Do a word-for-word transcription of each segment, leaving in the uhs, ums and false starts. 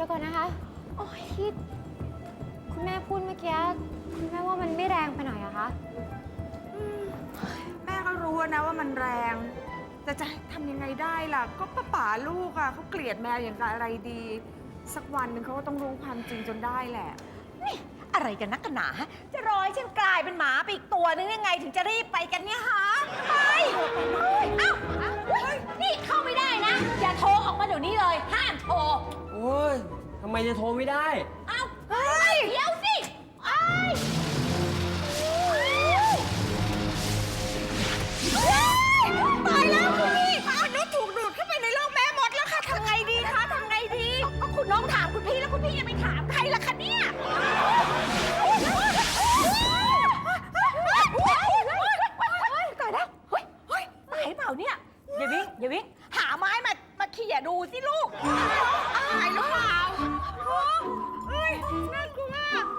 ดี๋ยวก่อนนะคะโอ้ยที่คุณแม่พูดเมื่อกี้คุณแม่ว่ามันไม่แรงไปหน่อยอะคะแม่ก็รู้นะว่ามันแรงแต่จะทำยังไงได้ล่ะก็ป้าป๋าลูกอ่ะเขาเกลียดแมวอย่างกับอะไรดี สักวันหนึ่งเขาก็ต้องรู้ความจริงจนได้แหละนี่อะไรกันนักกันหนาฮะจะรอให้ฉันกลายเป็นหมาไปอีกตัวนึงยังไงถึงจะรีบไปกันเนี่ยฮะไปเอ้านี่เข้าไม่ได้นะอย่าโทรออกมาเดี๋ยวนี้เลยห้ามโทรโอ้ยทำไมจะโทรไม่ได้เอ้าเฮ้ยเดี๋ยวสิไอ้ตายแล้วคุณพี่มนุษย์ถูกดูดเข้าไปในโลกแม่มดแล้วค่ะทำไงดีคะทำไงดีก็คุณน้องถามคุณพี่แล้วคุณพี่ยังไม่ถามใครล่ะคะเนี่ยตายแล้วเฮ้ยเฮ้ยตายเปล่าเนี่ยอย่าวิ่งอย่าวิ่งหาไม้มามาเขี่ยดูสิลูกตายหรือเปล่าเฮ้ยน่ากลัว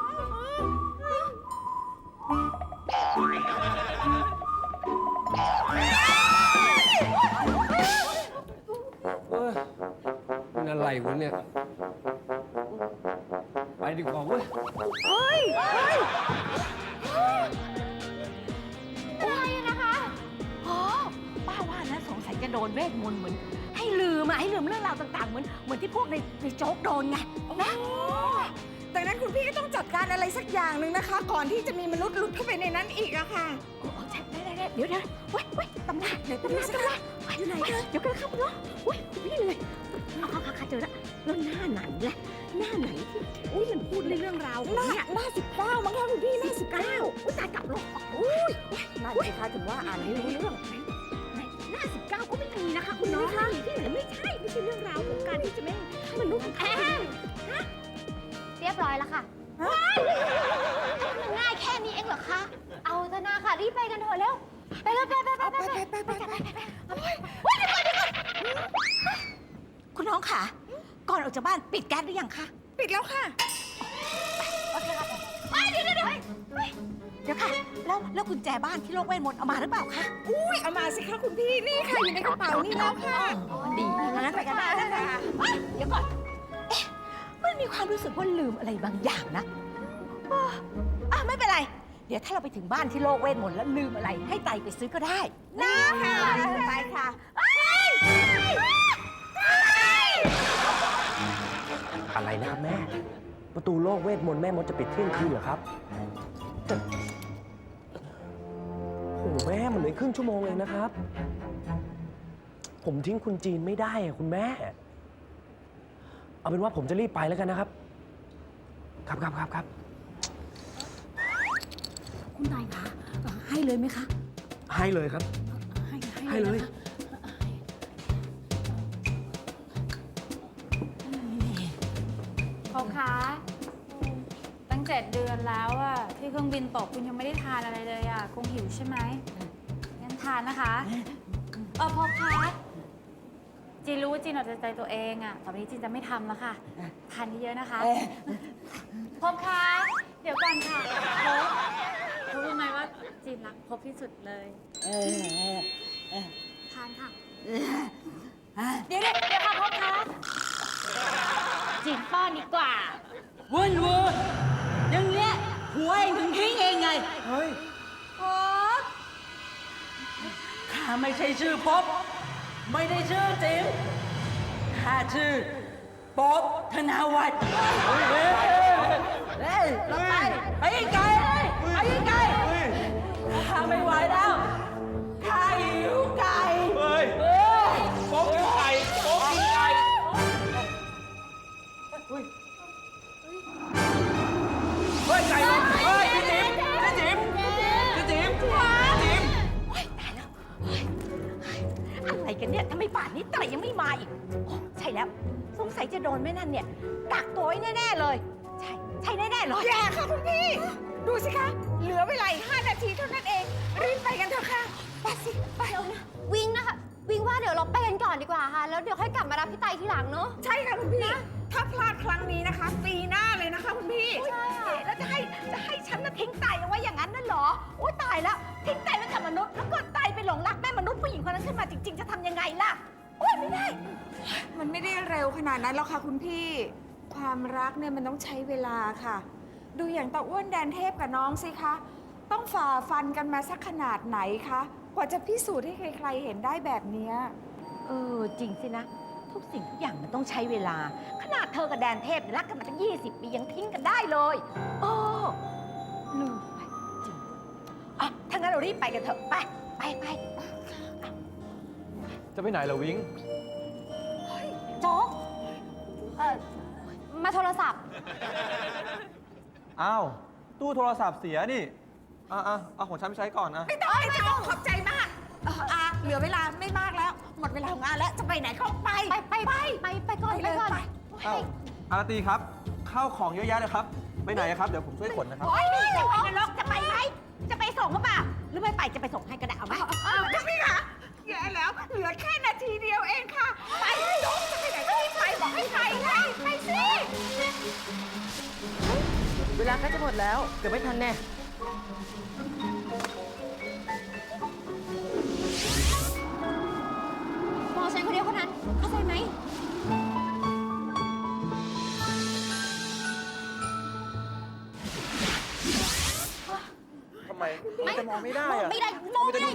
เออมันอะไรวะเนี่ย ไปดีกว่าเว้ยเฮ้ยเฮ้ยอะไรนะคะอ๋อป้าว่านะสงสัยจะโดนเวทมนต์เหมือนให้ลืมอะให้ลืมเรื่องราวต่างๆเหมือนเหมือนที่พวกในในโจ๊กโดนไงนะดังนั้นคุณพี่ก็ต้องจัดการอะไรสักอย่างหนึ่งนะคะ ก่อนที่จะมีมนุษย์หลุดเข้าไปในนั้นอีกอะค่ะโอ้โหใช่ได้ได้ได้เดี๋ยวเดี๋ยวเว้ยเว้ยตำนานเดี๋ยวตำนานตำนานอยู่ไหนเดี๋ยวกันครับเนาะเว้ยพี่เลยเอาเอาเอาเจอแล้วแล้วหน้าไหนล่ะหน้าไหนที่อุ้ยมันพูดในเรื่องราวของเนี่ยหน้าสิบเก้ามั้งคะคุณพี่หน้าสิบเก้าอุ้ยตายกลับลงอุ้ยนั่นสิคะถึงว่าอ่านไม่รู้เรื่องหน้าสิบเก้าก็ไม่มีนะคะคุณน้องค่ะที่ไหนไม่ใช่ไม่ใช่เรื่องราวของการที่จะไม่ให้มันรู้ของแท้เรียบร้อยแล้วค่ะมันง่ายแค่นี้เองเหรอคะเอาเถอะนาค่ะรีบไปกันเถอะเร็วไปเลยไปไปไปไปไปไปไปไปคุณน้องค่ะก่อนออกจากบ้านปิดแก๊สหรือยังคะปิดแล้วค่ะโอเคค่ะเดี๋ยวเดี๋ยวเดี๋ยวเดี๋ยวค่ะแล้วแล้วกุญแจบ้านที่โลกเวทมนต์เอามาหรือเปล่าคะอุ้ยเอามาสิคะคุณพี่นี่ค่ะอยู่ในกระเป๋านี่แล้วค่ะดีงั้นไปกันได้นะคะเดี๋ยวก่อนเอ๊ะมันมีความรู้สึกว่าลืมอะไรบางอย่างนะอ่ะไม่เป็นไรเดี๋ยวถ้าเราไปถึงบ้านที่โลกเวทมนต์แล้วลืมอะไรให้ไตไปซื้อก็ได้นะค่ะไปค่ะอะไรนะครับแม่ ประตูโลกเวทมนต์แม่มดจะปิดเที่ยงคืนเหรอครับแต่โอ้แม่มันเหลือครึ่งชั่วโมงเองนะครับ ผมทิ้งคุณจีนไม่ได้อะคุณแม่ เอาเป็นว่าผมจะรีบไปแล้วกันนะครับ ครับครับครับครับคุณนายคะให้เลยไหมคะให้เลยครับให้ให้เลยเขาคะตั้งเจ็ดเดือนแล้วอะที่เครื่องบินตกคุณยังไม่ได้ทานอะไรเลยอะคงหิวใช่ไหมงั้นทานนะคะเออพอคะจีนรู้ว่าจีนเอาแต่ใจตัวเองอะต่อไปนี้จีนจะไม่ทำแล้วค่ะทานเยอะๆนะคะพบคะเดี๋ยวก่อนค่ะพบพบรู้ไหมว่าจีนรักพบที่สุดเลยทานค่ะเดี๋ยวเดี๋ยวเดี๋ยวค่ะพบคะจีนป้อนดีกว่าวุ่นวุ่นอย่างเงี้ยหัวเองถึงทิ้งเองไงเฮ้ยพบข้าไม่ใช่ชื่อพบ ไม่ได้ชื่อจิ๋มข้าชื่อป๊อบธนาวัฒน์เฮ้ยเฮ้ยลงไปไปไกลเลยไปไกลข้าไม่ไหวแล้วข้าหิวไก่เฮ้ยเฮ้ยโป๊กกินไก่โป๊กกินไก่เฮ้ย ไก่เลยเฮ้ยพี่จิ๋มพี่จิ๋มพี่จิ๋มพี่จิ๋มโอ๊ยตายแล้วเฮ้ยอะไรกันเนี่ยทำไมป่านนี้ไตยังไม่มาอีกโอ้ใช่แล้วสงสัยจะโดนแม่นั่นเนี่ยกักตัวไว้แน่ๆเลย ใช่ใช่แน่ๆเลยอย่าค่ะคุณพี่ ดูสิคะ เหลือเวลาอีกห้านาทีเท่านั้นเอง รีบไปกันเถอะค่ะ ไปสิ ไปเดี๋ยวนะวิงนะคะวิงว่าเดี๋ยวเราไปกันก่อนดีกว่าค่ะแล้วเดี๋ยวค่อยกลับมารับพี่ไตทีหลังเนาะใช่ค่ะคุณพี่ ถ้าพลาดครั้งนี้นะคะ ปีหน้าเลยนะคะคุณพี่ใช่ค่ะแล้วจะให้จะให้ฉันน่ะทิ้งไตเอาไว้อย่างนั้นน่ะเหรอโอ๊ยตายแล้วทิ้งไตไว้กับมนุษย์แล้วก็ไตไปหลงรักแม่มนุษย์ผู้หญิงคนนั้นขึ้นมาจริง ๆ จะทำยังไงล่ะโอ๊ยไม่ได้มันไม่ได้เร็วขนาดนั้นหรอกค่ะคุณพี่ความรักเนี่ยมันต้องใช้เวลาค่ะ ดูอย่างตาอ้วนแดนเทพกับน้องสิคะ ต้องฝ่าฟันกันมาสักขนาดไหนคะ กว่าจะพิสูจน์ให้ใครๆเห็นได้แบบเนี้ยเออ จริงสินะ ทุกสิ่งทุกอย่างมันต้องใช้เวลา ขนาดเธอกับแดนเทพเนี่ยรักกันมาตั้งยี่สิบปียังทิ้งกันได้เลยโอ้ลืมไปจริงอ่ะถ้างั้นเรารีบไปกันเถอะ ไป ไปไปจะไปไหนล่ะวิงโจ๊ก เอ่อ มาโทรศัพท์อ้าว ตู้โทรศัพท์เสียนี่ อ่ะอ่ะเอาของฉันไปใช้ก่อนนะไม่ต้องไม่ต้องขอบใจมากเอ่ออาเหลือเวลาไม่มากแล้ว หมดเวลาของงานแล้ว จะไปไหนก็ไปไปไปไปไปไปก่อนไปก่อนเอ้าอาราตีครับ ข้าวของเยอะแยะเลยครับ ไปไหนครับ เดี๋ยวผมช่วยขนนะครับโอ้ยนี่จะไปนรกจะไปไหม จะไปส่งหรือเปล่า หรือไม่ไปจะไปส่งให้ก็ได้เอาไหมเออพี่คะแย่แล้ว เหลือแค่นาทีเดียวเองค่ะ ไปน้องจะไปไหนก็รีบไปบอกให้ไปไงไปสิเวลาใกล้จะหมดแล้ว เกือบไม่ทันแน่มองฉันคนเดียวคนนั้น เข้าใจไหมทำไมจะมองไม่ได้อะไม่ได้มองไม่ได้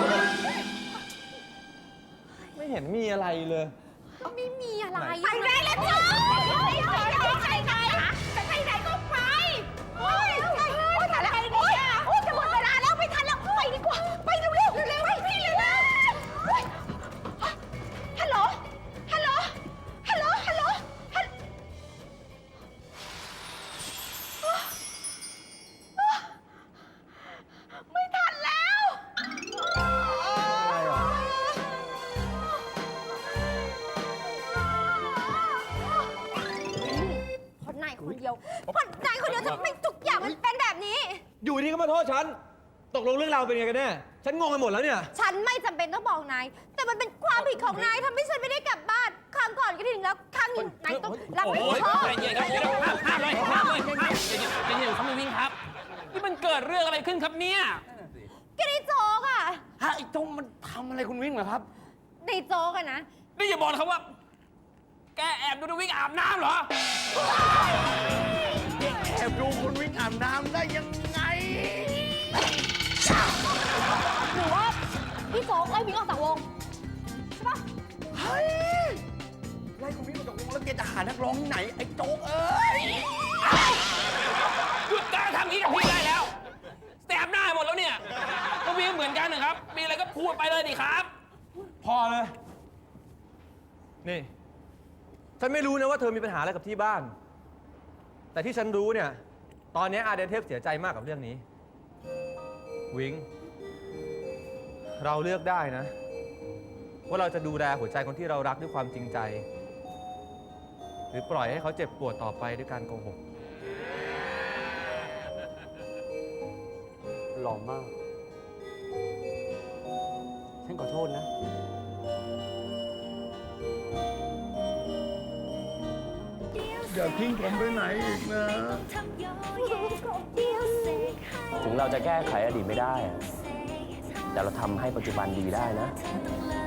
ไม่เห็นมีอะไรเลยไม่มีอะไรไปได้แล้วจ้าไปไหนไปไหนจะไปไหนก็ไปโอ้ยโอ้ยแต่ละโอ้ยโอ้ยจะหมดเวลาแล้วไม่ทันแล้วไปดีกว่า ไปเร็วเร็วเร็วไปพี่เร็วฮัลโหล ฮัลโหล ฮัลโหล ฮัลโหล ไม่ทันแล้วคนนายคนเดียวคนนายคนเดียวทำไมทุกอย่างมันเป็นแบบนี้อยู่ดีก็มาโทษฉัน ตกลงเรื่องราวเป็นไงกันแน่ ฉันงงไปหมดแล้วเนี่ยฉันไม่จำเป็นต้องบอกนาย แต่มันเป็นความผิดของนายทำให้ฉันไม่ได้กลับบ้าน ครั้งก่อนก็ถึงแล้ว ครั้งนี้นายต้องรับผิดชอบใจเย็นครับห้ามเลยห้ามเลยห้ามใจเย็นครับวิ่งครับ นี่มันเกิดเรื่องอะไรขึ้นครับเนี่ยก็ในโจ๊กอะฮะไอ้โจงมันทำอะไรคุณวิ่งเหรอครับในโจ๊กอะนะนี่อย่าบอกนะครับว่า แกแอบดูคุณวิ่งอาบน้ำเหรอแอบดูคุณวิ่งอาบน้ำได้ยังไงหรือว่าพี่โจ๊กไล่วิ่งออกจากวง ใช่ปะเฮ้ย ไล่คุณวิ่งออกจากวงแล้วแกจะหานักร้องที่ไหน ไอ้โจ๊กเอ้ยหยุดการทำนี้กับพี่ได้แล้วแสบหน้าหมดแล้วเนี่ยก็วิ่งเหมือนกันนะครับ มีอะไรก็พูดไปเลยดิครับพอเลย นี่ ฉันไม่รู้นะว่าเธอมีปัญหาอะไรกับที่บ้าน แต่ที่ฉันรู้เนี่ย ตอนนี้อาเดนเทพเสียใจมากกับเรื่องนี้ วิง เราเลือกได้นะ ว่าเราจะดูแลหัวใจคนที่เรารักด้วยความจริงใจ หรือปล่อยให้เขาเจ็บปวดต่อไปด้วยการโกหกหล่อมาก ฉันขอโทษนะ อย่าทิ้งผมไปไหนอีกนะถึงเราจะแก้ไขอดีตไม่ได้ แต่เราทำให้ปัจจุบันดีได้นะเธอต้องเลิก